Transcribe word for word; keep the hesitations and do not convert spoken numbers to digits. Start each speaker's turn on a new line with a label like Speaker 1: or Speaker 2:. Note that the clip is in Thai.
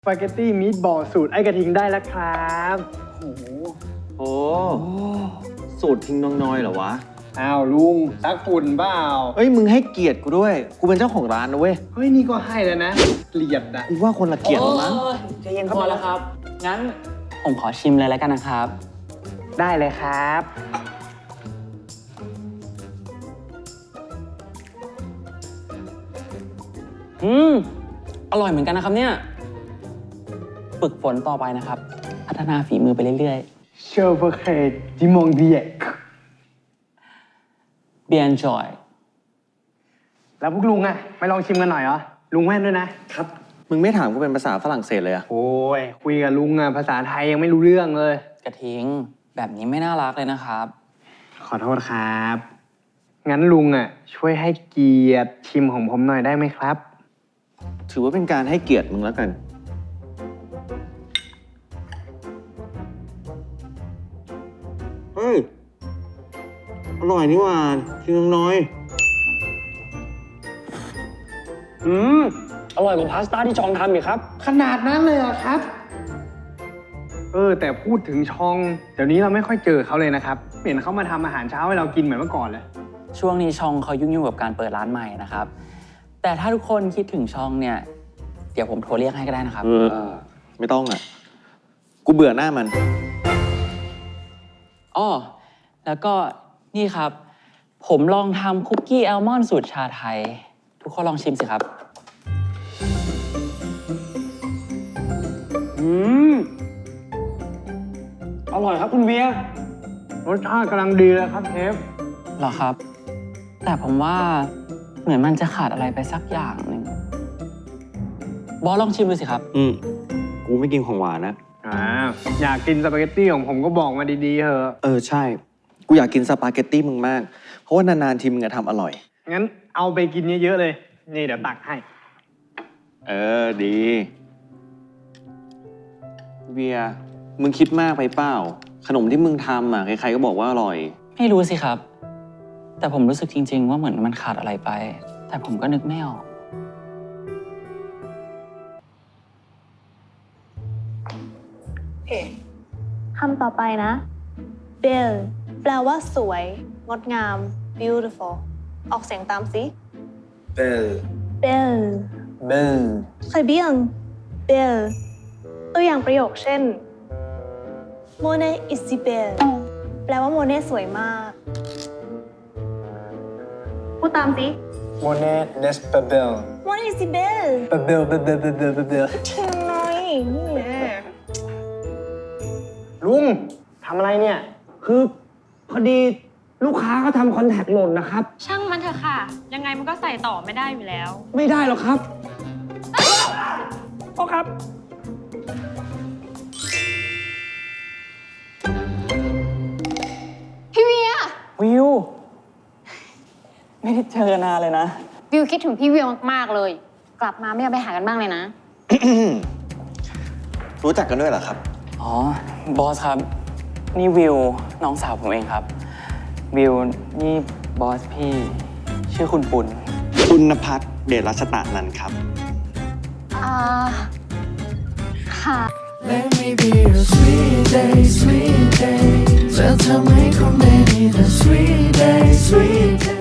Speaker 1: สปาเกตตี้มีทบอลสูตรไอ้กระทิงได้แล้วครับโอ้โห
Speaker 2: โอ้สูตรทิ้งน้องน้อยเหรอวะ
Speaker 1: อ้าวลุงซักฝุ่นเปล่า
Speaker 2: เอ้ยมึงให้เกียรติกูด้วย กูเป็นเจ้าของร้านนะเว้ย
Speaker 1: เฮ้ยนี่ก็ให้แล้วนะเกลียดนะ
Speaker 2: กูว่าคนละเกียรติมั้ง
Speaker 3: ใจเย็นพอแล้วครับ งั้นผมขอชิมเลยแล้วกันนะครับ
Speaker 1: ได้เลยครับ
Speaker 3: อืม อร่อยเหมือนกันนะครับเนี่ย ฝึกฝนต่อไปนะครับ พัฒนาฝีมือไปเรื่อย
Speaker 1: เชอร์เบอร์เคดิมองเดียก
Speaker 3: ๆ Bien enjoy
Speaker 1: แล้วพวกลุงอะไม่ลองชิมกันหน่อยเหรอลุงแม่นด้วยนะครับ
Speaker 2: มึงไม่ถามกูเป็นภาษาฝรั่งเศสเลยอะ
Speaker 1: โอ้ยคุยกับลุงอะภาษาไทยยังไม่รู้เรื่องเลย
Speaker 3: กระทิง แบบนี้ไม่น่ารักเลยนะครับ
Speaker 1: ขอโทษครับ งั้นลุงอะช่วยให้เกียรติชิมของผมหน่อยได้ไหมครับ
Speaker 2: ถือว่าเป็นการให้เกียรติมึงแล้วกัน เฮ้ย อร่อยนี่หว่าทิ้งน้องน้อย
Speaker 3: อืม อร่อยกว่าพาสต้าที่ชองทำอีกครับ
Speaker 1: ขนาดนั้นเลยเหรอครับ เออ แต่พูดถึงชอง เดี๋ยวนี้เราไม่ค่อยเจอเขาเลยนะครับเห็นเขามาทำอาหารเช้าให้เรากินเหมือนเมื่อก่อนเลย
Speaker 3: ช่วงนี้ชองเขายุ่งๆกับการเปิดร้านใหม่นะครับ แต่ถ้าทุกคนคิดถึงชองเนี่ย เดี๋ยวผมโทรเรียกให้ก็ได้นะครับ
Speaker 2: เออ ไม่ต้องอ่ะ กูเบื่อหน้ามัน
Speaker 3: อ้อ แล้วก็นี่ครับ ผมลองทำคุกกี้แอลมอนด์สูตรชาไทย ทุกคนลองชิมสิครับ อืม อร่อยครับคุณเวีย
Speaker 1: รสชาติกำลังดีเลยครับเชฟ
Speaker 3: เหรอครับ แต่ผมว่าเหมือนมันจะขาดอะไรไปสักอย่างหนึ่งบอสลองชิมดูสิครับ
Speaker 2: อืม กูไม่กินของหวานนะ
Speaker 1: อ่า อยากกินสปาเกตตี้ของผมก็บอกมาดีๆเถอะ
Speaker 2: เออ ใช่ กูอยากกินสปาเกตตี้มึงมาก เพราะว่านานๆทีมึงจะทำอร่อย
Speaker 1: งั้นเอาไปกินเยอะๆเลย นี่เดี๋ยวตักให้
Speaker 2: เออ ดี เวีย มึงคิดมากไปเปล่า ขนมที่มึงทำอ่ะ ใครๆก็บอกว่าอร่อย
Speaker 3: ไม่รู้สิครับ แต่ผมรู้สึกจริง ๆ ว่าเหมือนมันขาดอะไรไป แต่ผมก็นึกไม่ออก
Speaker 4: โอเคคำต่อไปนะ belle แปลว่าสวย งดงาม beautiful ออกเสียงตามสิ
Speaker 5: Belle,
Speaker 4: belle
Speaker 5: belle,
Speaker 4: très bien belle ตัวอย่างประโยคเช่น Monet is si belle แปลว่าโมเน่สวยมาก พูดตามสิ
Speaker 5: Monet n'est pas belle.
Speaker 4: Monet is si belle
Speaker 5: Pas belle, belle, belle, belle, belle, belle.
Speaker 4: เทียมหน่อยนี่แน่
Speaker 1: ลุงทำอะไรเนี่ย
Speaker 6: คือพอดีลูกค้าเขาทำคอนแทคหล่นนะครับ
Speaker 7: ช่างมันเถอะค่ะ ยังไงมันก็ใส่ต่อไม่ได้อยู่แล้ว
Speaker 6: ไม่ได้หรอกครับพ่อครับ
Speaker 7: พี่เวีย
Speaker 3: วิว ไม่ได้เจอกันนานเลยนะ
Speaker 7: วิวคิดถึงพี่เวียมากๆเลย กลับมาไม่เอาไปหากันบ้างเลยนะ
Speaker 2: รู้จักกันด้วยเหรอครับ
Speaker 3: อ๋อ บอสครับ นี่วิว น้องสาวผมเองครับ วิว นี่บอสพี่ ชื่อคุณปุณ
Speaker 2: ปุณพัฒน์เดชรัชตะนันท์ครับ
Speaker 7: อ่า ค่ะ
Speaker 8: Let me be your sweet day, sweet day. จะทำให้คุณได้มีแต่ sweet day, sweet day.